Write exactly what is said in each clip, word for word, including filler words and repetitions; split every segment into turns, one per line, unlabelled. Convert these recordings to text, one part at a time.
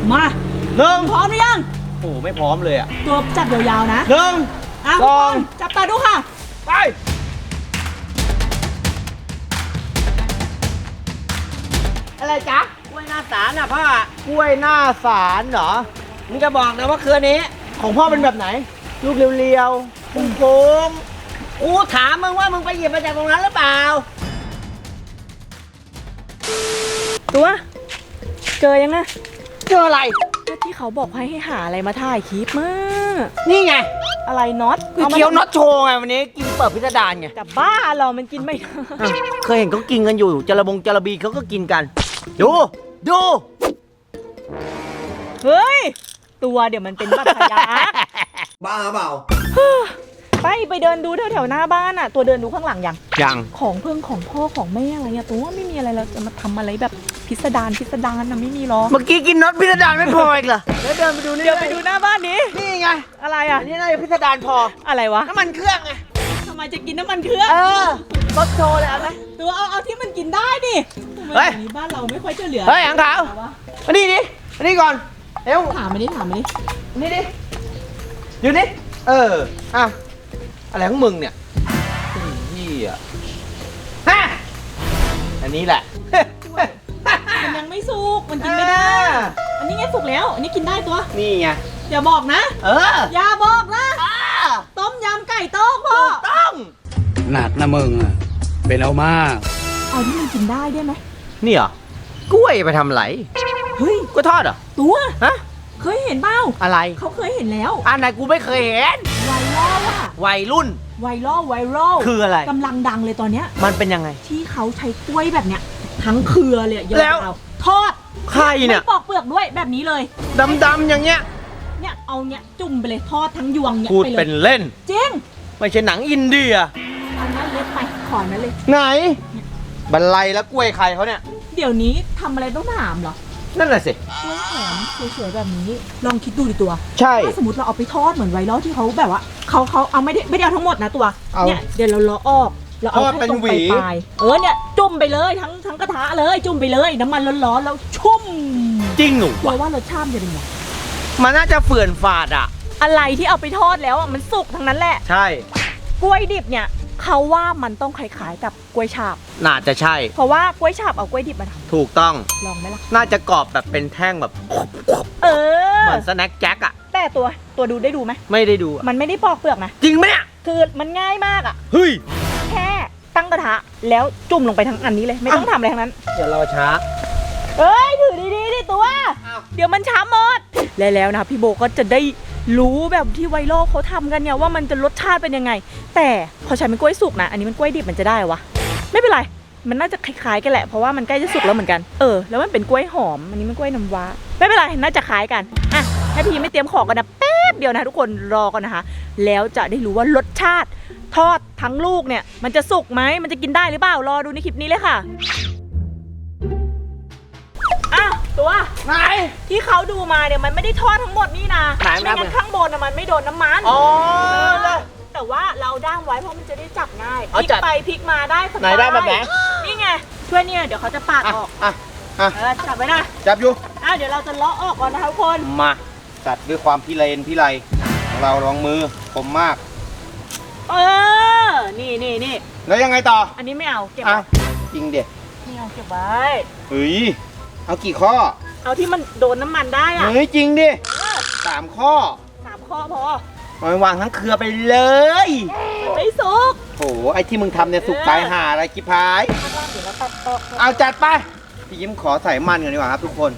มา
หนึ่ง
พร้อมหรือยัง
โอ้ไม่พร้อมเลยอ่ะ
ตัวจับยาวๆนะ
หนึ่ง
สองจับตาดูค่ะ
ไปอะไรจ๊ะกล้วยหน้าสารน่ะพ่อกล้วยหน้าสารเหรอมึงจะบอกนะว่าเครือนี้ของพ่อเป็นแบบไหนลูกเรียวๆโค้งๆกูถามมึงว่ามึงไปหยิบมาจากตรงนั้นหรือเปล่า
ตัวเจอยังไง
เจออะไร
ก็ที่เขาบอกให้ให้หาอะไรมาถ่ายคลิปมา
นี่ไง
อะไรน็อต
คือเคี้ยวน็อตโชว์ไงวันนี้กินเปิดพิสดารไง
แต่บ้าเรามันกินไม่ได้
เคยเห็นเขากินกันอยู่จระบงจระบีเขาก็กินกันดูดู
เฮ้ยตัวเดี๋ยวมันเป็นบัตรทะยัก
บ้าเปล่า
ไปไปเดินดูแถวๆหน้าบ้านอ่ะตัวเดินดูข้างหลังยัง
ยัง
ของเพิ่งของพ่อของแม่อะไรอะตัวไม่มีอะไรเราจะมาทำอะไรแบบพิสดารพิสดารนะไม่มีหรอก
เมื่อกี้กินน็อตพิสดารไม่พออีกเหรอแล้วเดินไปดูนี่
เดี๋ยวไปดูหน้าบ้านนี้
นี่ไง
อะไรอ่ะ
นี่น่าจะพิสดารพอ
อะไรวะ
น้ำมันเครื่องไง
ทำไมจะกินน้ำมันเครื่อง
เออรถโชว์เลยเอาไหม
ตัวเอาเอาที่มันกินได้ดิ
เฮ้ย
บ้านเราไม่ค่อยจะเหลือ
เฮ้ยอังขาวมานี่ดิมานี่ก่อนเอ้ว
ถามมาดิถามมาดิ
นี่ดิอยู่นี่เอออ่ะอะไรของมึงเนี่ยพี่อ่ะฮะอันนี้แหละ
มันยังไม่สุกมันกินไม่ได้อันนี้ไงสุกแล้วอันนี้กินได้ตัว
นี่ไง
อย่าบอกนะ
เออ
อย่าบอกนะต้มยำไก่ต้มพ่อ
ต้อง
หนักนะมึงอ่ะเป็นเอามาก
เอาที่มันกินได้ได้ไหม
นี่เหรอกล้วยไปทำไร
เฮ้ย
กล้วยทอดเหรอ
ตัว
ฮะ
เคยเห็นเปล่า
อะไร
เขาเคยเห็นแล้ว
อันไหนกูไม่เคยเห็น
ไวรัลอะ
วัยรุ่น
ไวรัลไวรัล
คืออะไร
กำลังดังเลยตอนเนี้ย
มันเป็นยังไง
ที่เขาใช้กล้วยแบบเนี้ยทั้งเครือเลย
แล้ว
ทอด
ไข่เนี่ย
ไม่ปอกเปลือกด้วยแบบนี้เลย
ดำๆอย่างเงี้ย
เนี่ยเอาเนี้ยจุ่มไปเลยทอดทั้งยวงเนี่ย
พูดเป็นเล่น
จริง
ไม่ใช่หนังอินเดีย
อันนั้นเล็กไปขอนั้นเลย
ไหนบรรลัยแล้วกล้วยใครเขาเนี่ย
เดี๋ยวนี้ทำอะไรต้องถามเหรอ
นั่นแหละสิ
กล้วยหอมสวยๆแบบนี้ลองคิดดูดิตัว
ใช่
ถ้าสมมติเราเอาไปทอดเหมือนไวรัลที่เขาแบบว่าเขาเขาเอาไม่ได้ไม่ได้เอาทั้งหมดนะตัวเนี่ยเดี๋ยวเราล้อออกเราเอาแค่ตรงปลายเออเนี่ยจุ่มไปเลยทั้งทั้งกระทะเลยจุ่มไปเลยน้ำมันร้อนๆแล้วชุ่ม
จริงหนู
ตัวว่ารสชาติจะเป็นไง
มันน่าจะเฟื่อนฝาดอะ
อะไรที่เอาไปทอดแล้วอ่ะมันสุกทั้งนั้นแหละ
ใช่
กล้วยดิบเนี่ยเขาว่ามันต้องคล้ายๆกับกล้วยฉาบ
น่าจะใช่
เพราะว่ากล้วยฉาบเอากล้วยดิบมาทำ
ถูกต้อง
ลองไหมล่ะ
น่าจะกรอบแบบเป็นแท่งแบบ
เออ
เหมือนสแน็คแจ็คอะ
แต่ตัวตัวดูได้ดูไหม
ไม่ได้ดู
มันไม่ได้ปอกเปลือกนะ
จริงไหมเนี่ย
คือมันง่ายมากอะ
เฮ้ย
แค่ตั้งกระทะแล้วจุ่มลงไปทั้งอันนี้เลยไม่ต้องทำอะไรทั้งนั้น
เดี๋ยวเราช้า
เอ้ยถือดีๆดิตัวเดี๋ยวมันช้าหมดแล้วนะพี่โบก็จะได้รู้แบบที่ไวรัลเขาทำกันเนี่ยว่ามันจะรสชาติเป็นยังไงแต่พอใช้เป็นกล้วยสุกนะอันนี้มันกล้วยดิบมันจะได้วะไม่เป็นไรมันน่าจะคล้ายๆกันแหละเพราะว่ามันใกล้จะสุกแล้วเหมือนกันเออแล้วมันเป็นกล้วยหอมอันนี้มันกล้วยน้ำว้าไม่เป็นไรน่าจะคล้ายกันอ่ะให้พี่ไม่เตรียมของกันนะแป๊บเดียวนะทุกคนรอกันนะคะแล้วจะได้รู้ว่ารสชาติทอดทั้งลูกเนี่ยมันจะสุกไหมมันจะกินได้หรือเปล่ารอดูในคลิปนี้เลยค่ะอ้าวตัว
ไหน
ที่เขาดูมาเนี่ยมันไม่ได้ทอดทั้งหมดนี่นะไม่งั้นข้างบนนะมันไม่โดนน้ำมัน
อ๋อ
แต่ว่าเราด้างไว้เพราะมันจะได้จับง่ายพลิกไปพลิกมาได้สบาย
ไหนได้แบบไหน
นี่ไงช่วยเนี่ยเดี๋ยวเขาจะปาดออก
อ่ะอ่ะ
จับไว้นะ
จับอยู่
อ้าวเดี๋ยวเราจะเลาะออกก่อนนะคะทุกคน
มาจัดด้วยความพิเรนพิไรของเราลองมือคมมาก
เออนี่นี่นี่
แล้วยังไงต่อ
อันนี้ไม่เอาเก็บ
อ่ะจริงเด็ด
ไม่เอาเก็บไว้
เฮ้ยเอากี่ข้อ
เอาที่มันโดนน้ำมันได้อะ
เฮ้ยจริงดิสามข้อ
สามข้อพอ
มันวางทั้งเครือไปเลย
ไม่สุก
โอ้ไอที่มึงทำเนี่ยสุกตายห่าอะไรกิพายเอาจัดไปพี่ยิ้มขอใส่มันกันดีกว่าครับทุกคน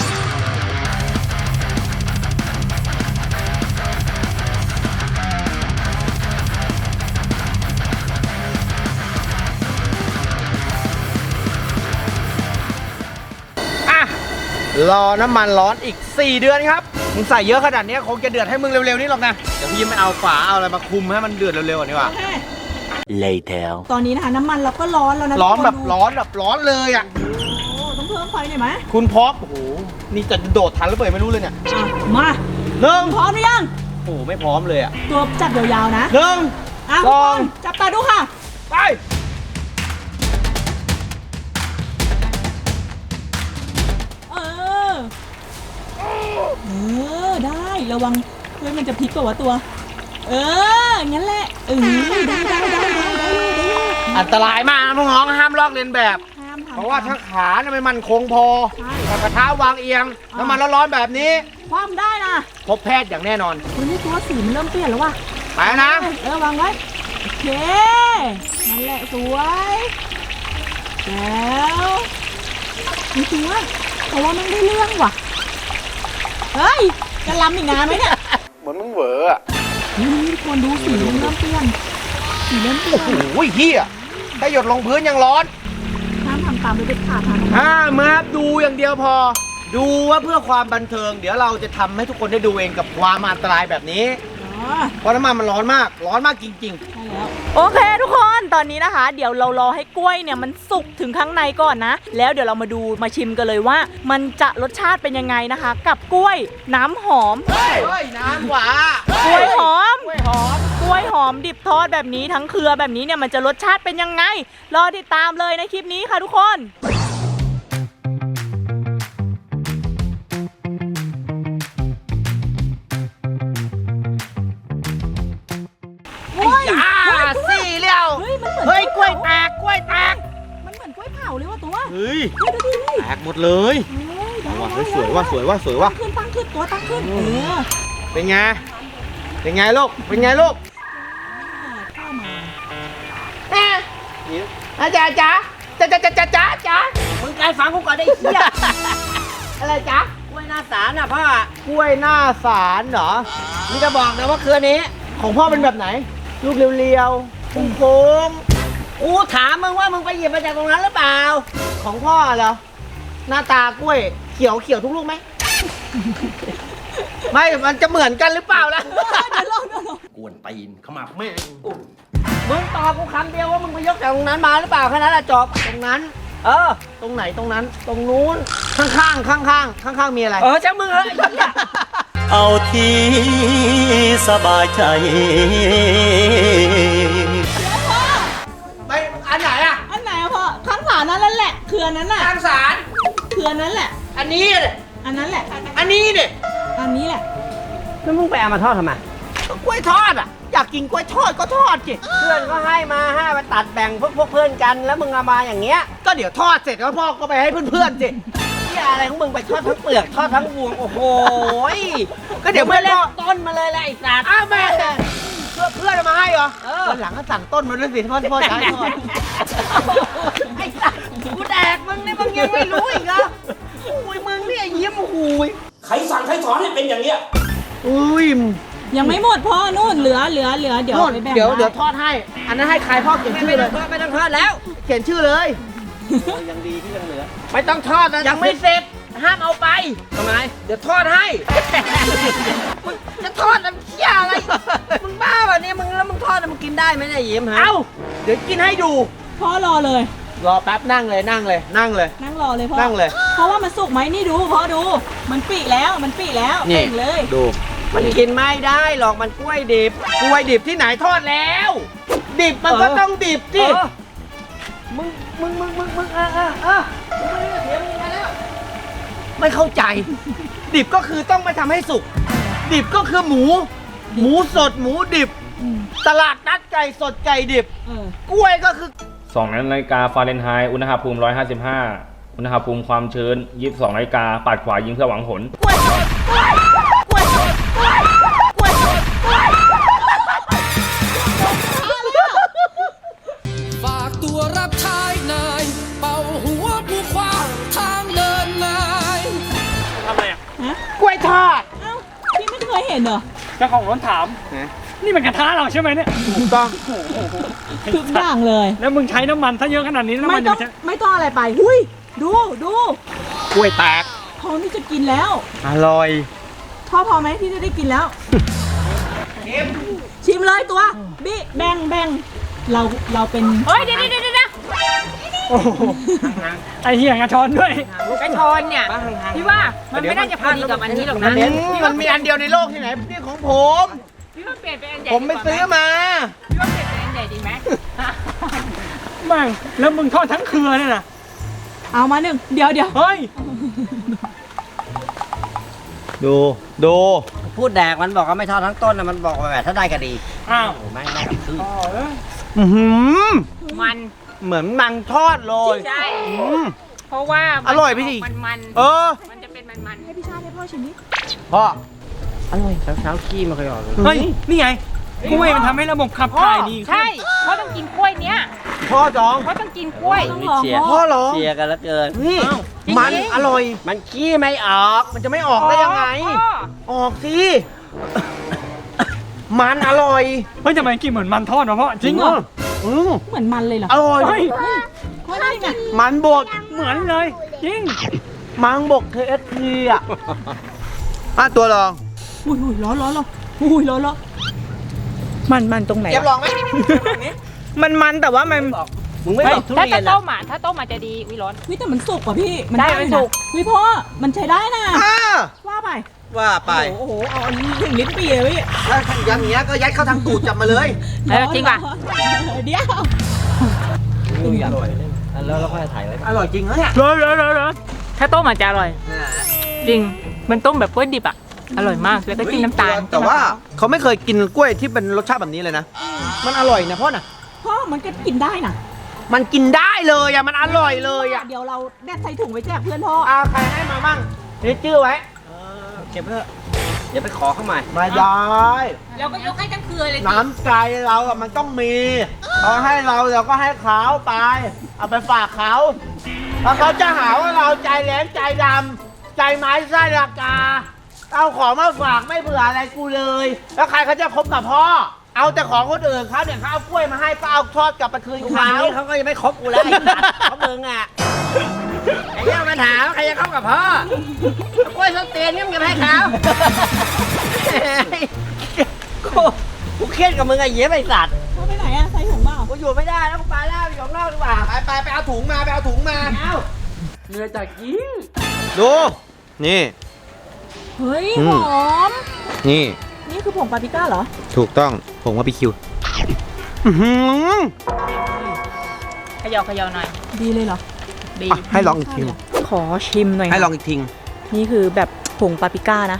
รอน้ำมันร้อนอีกสี่เดือนครับมึงใส่เยอะขนาดนี้คงจะเดือดให้มึงเร็วๆนี่หรอกนะเดี๋ยวพี่ยิ้มไม่เอาฝาเอาอะไรมาคุมให้มันเดือดเร็วๆก่อนดีกว่า
later ตอนนี้นะคะน้ำมันเราก็ร้อนแล้วนะ
ร้อนแบบร้อนแบบร้อนเลยอ่ะ
โอ้ต้องเพิ่มไฟหน่อยไหม
คุณพร้อมโอ้โหนี่จะโดดทันหรือเปล่าไม่รู้เลยเนี่ย
มา
หนึ่ง
พร้อมหรือยัง
โอ้ไม่พร้อมเลยอ่ะ
ตัวจับยาวๆนะ
หนึ่ง
สองจับตาดูค่ะ
ไป
เออเออได้ระวังเฮ้ยมันจะพลิกกว่าตัว เอองั้นแหละเออได้ได้ได้ได้ได้ได้ได้
อันตรายมากนะน้องๆห้ามลอกเลียนแบบ
ห้ามทำ
เพราะว่าถ้าขาเนี่ยมันมั่นคงพอ
ใช่
แต่กระทะวางเอียงน้ำมันร้อนๆแบบนี้
ความได้นะ
พบแพทย์อย่างแน่นอน
เฮ้ยนี่ตัวสีมันเริ่มเปลี่ยนแล้วว่ะ
ไปแล้วนะ
เออวางไว้โอเคนั่นแหละสวยแล้วจริงๆว่าแต่ว่ามันได้เรื่องว่ะเฮ้ยจะลำอีกนานไหมเนี่ย
เหมือนมึงเหวออะ
นี่ทุกคนดูสีมันเริ่มเปลี่ยนสีเริ่มเปลี่ยน
โอ้ยเฮียถ้าหยดลงพื้นยังร้อน
ห้ามทำตามเลยเด็ดขาดห้ามทำ
ห้ามครับดูอย่างเดียวพอ ดูว่าเพื่อความบันเทิง เดี๋ยวเราจะทำให้ทุกคนได้ดูเองกับความอันตรายแบบนี้
อ๋อ
เพราะน้ำมันมันร้อนมาก ร้อนมากจริง
ใช่แล้วโอเคทุกคนตอนนี้นะคะ เดี๋ยวเรารอให้กล้วยเนี่ยมันสุกถึงข้างในก่อนนะ แล้วเดี๋ยวเรามาดูมาชิมกันเลยว่า มันจะรสชาติเป็นยังไงนะคะ กับกล้วยน้ำหอม
ๆ เฮ้ยน้ำหวาก
ล้วยหอม
กล้วยหอม
กล้วยหอมดิบทอดแบบนี้ทั้งเครือแบบนี้เนี่ยมันจะรสชาติเป็นยังไง รอติดตามเลยในคลิปนี้ค่ะทุกคนเฮ้ย
อ่าสี่เลี้ยว
เฮ้ยมันเหมือน
เฮ้ยกล้วยแตกกล้วยแตก
มันเหมือนกล้วยเผาเลยว่ะตัว
เฮ้ย
เฮ้ยดูดิดิ
แตกหมดเลย
เฮ้ยได้
ว่ะ
ได้
สวยว่ะสวยว่ะสวยว่ะ
ตั้งขึ้นตั้งขึ้นตัวตั้งขึ้นเออ
เป็นไง เป็นไงลูก เป็นไงลูก
เข้ามา
แม่อาจารย์จ๊ะจ๊ะจ๊ะจ๊ะจ๊ะจ๊ะจ๊ะมึงใจฟังกูก่อนได้เหี้ย อะไรจ๊ะกล้วยหน้าสารน่ะพ่อกล้วยหน้าสารเหรอนี่จะบอกนะว่าเครือนี้ ของพ่อเป็นแบบไหน ลูกเรียวๆโค้งๆกูถามมึงว่ามึงไปหยิบมาจากตรงนั้นหรือเปล่า ของพ่อเหรอ หน้าตากล้วยเขียวเขียวทุกลูกไหม ไม่ มันจะเหมือนกันหรือเปล่าล่ะ
เดี๋ยวลองเดี๋ยวลอง
กวนตีนขมับแม่งมึงตอบกูคำเดียวว่ามึงไปยกจากตรงนั้นมาหรือเปล่าแค่นั้นแหละจบตรงนั้น เออ ตรงไหนตรงนั้น ตรงนู้นข้างข้างข้างข้างข้างข้างๆมีอะไร เออช่างมึงเฮ้ย
เอาที่สบายใจ
ไปอันไหนอ่ะ
อันไหนอะพ่อข้างฝานั้นแหละเครือนั้นน่ะ
ข้างสาร
เครือนั้นแหละ
อันนี้เนี่ย
อันนั้นแหละ
อันนี้เนี่ย
อันนี้แหละ
แล้วมึงไปเอามาทอดทำไมกล้วยทอดอ่ะอยากกินกล้วยทอดก็ทอดสิเพื่อนก็ให้มาให้มาตัดแบ่งพวกพวกเพื่อนกันแล้วมึงเอามาอย่างเงี้ยก็เดี๋ยวทอดเสร็จแล้วพ่อก็ไปให้เพื่อนๆสิที่อะไรของมึงไปทอดทั้งเปลือกทอดทั้งวงโอ้โหก็เดี๋ยวเพื่อนเล่นต้นมาเลยแหละไอ้สัตว์อ้าวแม่เพื่อนเพื่อนเอามาให้เหรอวันหลังก็สั่งต้นมาด้วยสิทอดทอดใช้ทอดไอ้สัตว์กูแดกมึงนี่มึงยังไม่รู้อีกเหรออุ้ยมึงนี่ไอ้เยี่ยมโอ้โห
ใครสั่งใครสอนให้เป็นอย่างเนี้ย
อุ้ย
ยังไม่หมดพ่อนู่นเหลือเหลือเหลือเดี๋ยว
นู่น
ไปแบ่ง
เดี๋ยว
ได้
เดี๋ยวทอดให้ อันนั้นให้ใครพ่อเขียนชื่อเลยไม่ต้องทอดแล้ว เขียนชื่อเลยยังดีที่ยังเหลือไม่ต้องทอดนะยังไม่เสร็จห้ามเอาไปทำไมเดี๋ยวทอดให้มึงจะทอดน้ำเชี่ยอะไรมึงบ้าป่ะเนี่ยมึงแล้วมึงทอดแล้วมึงกินได้ไหมเนี่ยยิ้มฮะเอ้าเดี๋ยวกินให้ดู
พ่อรอเลย
รอแป๊บนั่งเลยนั่งเลยนั่งเลย
นั่งรอเลยพ่อ
นั่งเลย
เพราะว่ามันสุกไหมนี่ดูพ่อดู มันปีแล้วมันปีแล้วเป่งเลย
ดูมันกินไม่ได้หรอกมันกล้วยดิบกล้วยดิบที่ไหนทอดแล้ว ดิบมันก็ต้องดิบสิมึงมึงมึงมึงมึงเออเออเออมึงไม่ได้เสียมึงมาแล้วไม่เข้าใจ ดิบก็คือต้องไปทำให้สุก ดิบก็คือหมู หมูสดหมูดิบ
อืม
ตลาดนัดไก่สดไก่ดิบ
เออก
ล้วยก็คือ
สองนาฬิกาฟาเรนไฮต์อุณหภูมิหนึ่งร้อยห้าสิบห้าอุณหภูมิความชื้นยี่สิบสองนาฬิกาปัดขวายิงเพื่อหวังผล
กล้วยสดกล้วยกล้วยสดกล้วยกล้วยสดกล้วย
ฝากตัวรับใช้นาย เป่าหัวผู้ขวางทางเดินนาย
ทำไมอ่ะ
ฮะ
กล้วยทอด
เอ้าพี่ไม่เคยเห็นเหรอ
เจ้าของรถถาม นี่มันกระทะเราใช่ไหมเนี่ย
ถูกต้อง
ทุกอย่างเลย
แล้วมึงใช้น้ำมันถ้าเยอะขนาดนี้น้ำ
ไม่
มัน
ต้
จะ
อง
ใช้
ไม่ต้องอะไรไปหุยดูดู
กล้วยแตก
พร้อมที่จะกินแล้ว
อร่อย
พ่อพอไหมที่จะได้กินแล้ว ชิมเลยตัวบิแบ่งแบ่งเราเราเป็นเฮ้ยเดี๋ยวเดี๋ยวเดี๋ยว
โอ้โห
ไอเหี้ยงกระชอนด้วย
กระชอนเนี่ยพี่ว่ามันไม่น่าจะพอดีกับอันนี้หรอกนะ
มันมีอันเดียวในโลกที่ไหนนี่ของผม
พี่ว่าเปลี่ยนเป็นอันใหญ่
ผมไปซื้อมา
พี่ว่าเปลี่ยนเป็นอันใหญ่ดีไหม
มั่งแล้วมึงทอดทั้งเครือเนี่ยนะ
เอามาหนึ่งเดี๋ยวเดี๋ยว
เฮ้ย
ดูดู
พูดแดกมันบอกว่าไม่ทอดทั้งต้นนะมันบอกว่าแบบถ้าได้ก็ดี
อ้าว
โอ้ไม่ได้กับครึ่ง
อือหือ
มัน
เหมือนมังทอดเลย
ใช่
อืม
เพราะว่ามัน
อร่อยพี่ดิ
มันมัน
เออ
มันจะเป็นมันมัน
ให้พี่ชาติให้พ่อชิมนิด
พ่อ
เช้าเช้าๆขี้ไม่เคยออกเลย
เฮ้ย นี่ไงกล้วยมันทำให้ระบบขับถ่ายดีใช่เพราะต้องกินกล้วยเนี้ย
พ่อจอง
เพราะต้องกินกล้วย
มีเชียร์
พ่อเหรอ
เชียร์กันแล้วเกิน
นี่
จริงๆ
มันอร่อย
มันขี้ไม่ออก
มันจะไม่ออกได้ยังไง
พ่อ
ออกสิ มันอร่อย
เฮ้ยทำไมกินเหมือนมันทอดวะพ่อจริงเหรอ
อืม
เหมือนมันเลยเหรอ
อร่อย
ว่าได้ไง
มันบด
เหมือนเลยจริง
มังบก เค เอฟ ซี อ่ะอ่ะตัวลอง
อุ้ยอุ้ยร้อนร้อนร้อนอุ้ยร้อนร้อนมันมันตรงไหน
เก็บลองไหม
มันมันแต่ว่ามัน
มึงไม่บอกทุ
ถ้า
เรีย
จะ
น
ต้
อ่ะ
มอ่ะถ้าต้มอาจจะดีวิร้อน
วิแต่มันสุกว่ะพี่
ได้
อยู่
มันสุก
วิพ่อมันใช้ได้นะ
อ่า
ว่าไป
ว่าไป
โอ้โหเอาอันนี้ถึงลิ้นปีเลยพี่
แล้วถ้าอย่างเงี้ยก็ยัดเข้าทางตูดจับมาเลย
เออจริงป่ะ
เดี๋ยว
อร่อยแล้วเราค่อยถ่ายไว้
อร่อยจริงนะเนี่ย
ร้อนร้อนร้อนร้อนถ้าต้มอาจจะอร่อย จริง มันต้มแบบกล้วยดิบอ่ะ อร่อยมาก แล้วก็จิ้มน้ำตาล
แต่ว่าเขาไม่เคยกินกล้วยที่เป็นรสชาติแบบนี้เลยนะ มันอร่อยนะพ่อน่ะ
พ่อมันก็กินได้นะ
มันกินได้เลยอ่ะ มันอร่อยเลยอ่ะ
เดี๋ยวเราแดดใส่ถุงไว้แจกเพื่อนพ่อ
เอาใครให้มามั่งนี่ชื่อไว้
เก็บเพื่อะเดี๋ยวไปขอเข้าใหม่
ไม่ได้
เราก็ยกให้ทั้งเครือเลย
น้ำใจเราอะมันต้องมีเขาให้เราเราก็ให้เขาไป เอาไปฝากเขาถ้าเขาจะหาว่าเราใจแหลมใจดำใจไม้ไส้ราคาเอาของมาฝากไม่เผื่ออะไรกูเลย แล้วใครเขาจะคบกับพ่อ เอาแต่ของคนอื่นเขาเนี่ยเขาเอากล้วยมาให้ก็เอาทอดกลับไปคืน
ทุกวัน
เขา
นี้เขาก็ยังไม่คบกูแล้วไอ้สัตว์เขามึงอ่ะไอ้เรื่องมาถามว่าใครจะเข้ากับพ่อเอากล้วยส้นเตียนนี่มึงจะไปให้เขากูกูเครียดกับมึงไอ้เหี้ยไอ้สัตว์
พ่อไปไหนอะใส่ถุงเปล่า
กูอยู่ไม่ได้แล้วกูไปแล้วอยู่ข้างนอกดีกว่าไปไปไปเอาถุงมาไปเอาถุงมาเอา
เนื้อจากกิน
ดูนี่
เฮ้ย
อื
ห
ม
อม
นี่
นี่คือผงปาปริก้าเหรอ
ถูกต้องผมว่าไปคิวอื้อหือ
เขย่าเขย่าหน่อย
ดีเลยเหรอ
ดี
อ่ะให้ลองอีกที
ขอชิมหน่อย
ให้ลองอีกที
นี่คือแบบผงปาปริก้านะ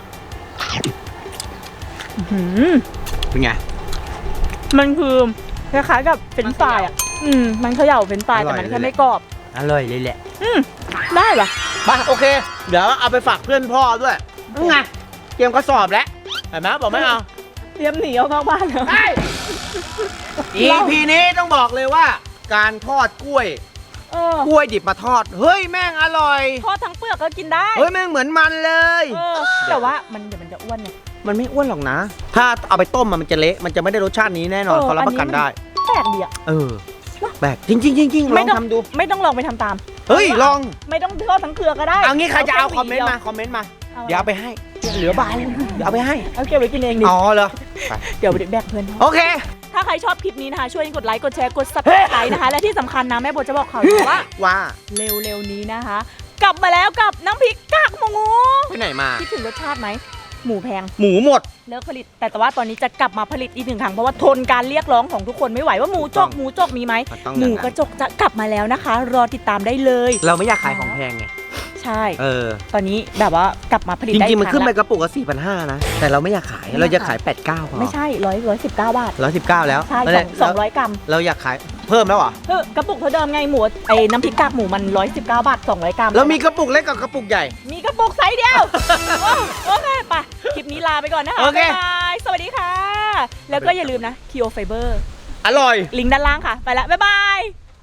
อื้อหือ
เป็นไง
มันคือคล้ายๆกับเฟรนช์ฟรายอ่ะ อืม มันเขย่าเฟรนช์ฟราย
อร่
แต่
อย
มันแค่
เลยแหละ
ไม่กรอบ
อร่อยเลยแหละ
อืม ได้ปะ
ไปโอเค เดี๋ยวเอาไปฝากเพื่อนพ่อด้วยนั่นไงเตรียมกระสอบแล้วเห็นไหมบอกไม่เอา
เตรียมหนีเอาเข้าบ้านแล้ว
ได้ อีพีนี้ต้องบอกเลยว่า การทอดกล้วย
เออ
กล้วยดิบมาทอด เฮ้ยแม่งอร่อย
ทอดทั้งเปลือกก็กินได้
เฮ้ยแม่งเหมือนมันเลย
เออ แต่ว่ามันเดี๋ยวมันจะอ้วนไง
มันไม่อ้วนหรอกนะ ถ้าเอาไปต้มมันจะเละ มันจะไม่ได้รสชาตินี้แน่นอน
เออ
เขารับประกันได้
แปลกดีอ่ะ
เออ แบกจริงจริงจริงจริงล
ไม่
อง
ต้อง
ทำดู
ไม่ต้องลองไปทำตาม
เฮ้ย ลอง
ไม่ต้องทอดทั้งเครือก็ได้
เอางี้ใครจะเอา
แ
คอมเมนต์มา คอมเมนต์มา เดี๋ยวเอาไปให้ เหลือบายเดี๋ยวเอาไปให้
เอาเก็บไว้กินเองดิ
อ๋อเหรอไป
เดี๋ยวแบกเพื่อน
โอเค
ถ้าใครชอบคลิปนี้นะคะ ช่วยกดไลค์ กดแชร์ กด subscribe นะคะ และที่สำคัญนะแม่โบจะบอกข่าวดีว่า
ว่า
เร็วๆนี้นะคะ กลับมาแล้วกับน้ำพริกกากหมู
ไปไหนมา
คิดถึงรสชาติไหม หมูแพง
หมูหมด
เลิกผลิต แต่แต่ว่าตอนนี้จะกลับมาผลิตอีกหนึ่งครั้ง เพราะว่าทนการเรียกร้องของทุกคนไม่ไหวว่าหมูจกหมูจกมีไหม
มันต้อง
หมูกระจกจะกลับมาแล้วนะคะ รอติดตามได้เลย
เราไม่อยากขายของแพงไง
ใช่
เออ
ตอนนี้แบบว่ากลับมาผลิต
จ
ได้
ริงๆ
อี
มัน
กค
ขึ้น
รั้ง
ไป
ละ
กระปุกละสี่พันห้านะ แต่เราไม่อยากขาย เราจะขายแปดเก้าพอ
ไม่ใช่ร้อยร้อยสิบเก้าบาท
ร้อยสิบเก้าแล้ว
ใช่
แล้ว
สองสองร้อยกรัม
เราอยากขายเพิ่มแล้วเหรอ
เออกระปุกเท่าเดิมไงหมูไอ้น้ำพริกกากหมูมันร้อยสิบเก้าบาทสองร้อยกรัม
แล้วมีกระปุกเล็กกับกระปุกใหญ่
มีกระปุกไซส์เดียว โอเคไปคลิปนี้ลาไปก่อนนะคะ
โอเค
บ๊ายบายสวัสดีค่ะ แล้วก็อย่าลืมนะ Kio Fiber
อร่อย
ลิงก์ด้านล่างค่ะ ไปละบ๊ายบาย